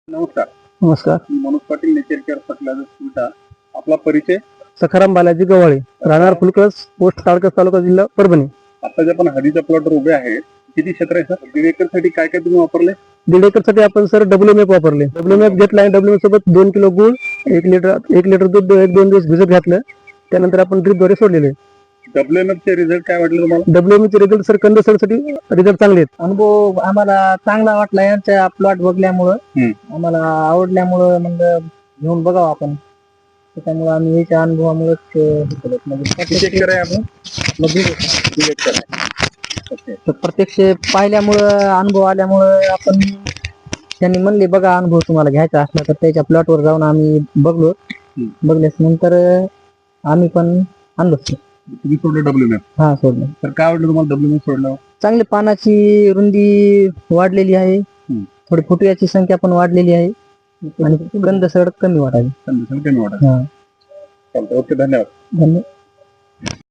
नमस्कार. नमस्कार. मी Manoj Patil, nature care fertiliser सुविधा. आपला परिचय? सखाराम बालाजी गव्हाळे, राहणार फुलकस, पोस्ट ताडकस, तालुका, जिल्हा परभणी. आता जे आपण हळदीच्या प्लॉटवर उभे आहे, किती क्षेत्र आहे सर? 1.5 एकर साठी काय काय तुम्ही वापरले? 1.5 एकर साठी आपण सर WMF वापरले. WMF घेतला आणि WMF सोबत 2 किलो गुळ, 1 लिटर दूध 1-2 दिवस भिजत घातलं. त्यानंतर आपण ड्रिपद्वारे सोडलेले. WMF चे रिझल्ट काय वाटले तुम्हाला? WMF चे रिझल्ट सर कंदसरसाठी रिझल्ट चांगले आहेत. अनुभव आम्हाला चांगला वाटला यांचा प्लॉट बघल्यामुळं. आम्हाला आवडल्यामुळं मग घेऊन बघावं आपण. त्याच्यामुळे आम्ही याच्या अनुभवामुळेच किती एकर आहे आपण? 1.5 एकर आहे. ओके. प्रत्यक्ष पाहिल्यामुळं अनुभव आल्यामुळं आपण त्यांनी म्हणले बघा अनुभव तुम्हाला घ्यायचा असला तर त्याच्या प्लॉटवर जाऊन आम्ही बघलो. बघल्यास नंतर आम्ही पण आणलो. तुम्ही सोडलं WMF? हा सोडलं. तर काय वाटलं तुम्हाला WMF सोडलं? चांगली पानाची रुंदी वाढलेली आहे. थोडी फुटव्याची संख्या पण वाढलेली आहे आणि कंदसड कमी वाटायची. कमी वाटत. हा चालतं. ओके, धन्यवाद. धन्यवाद.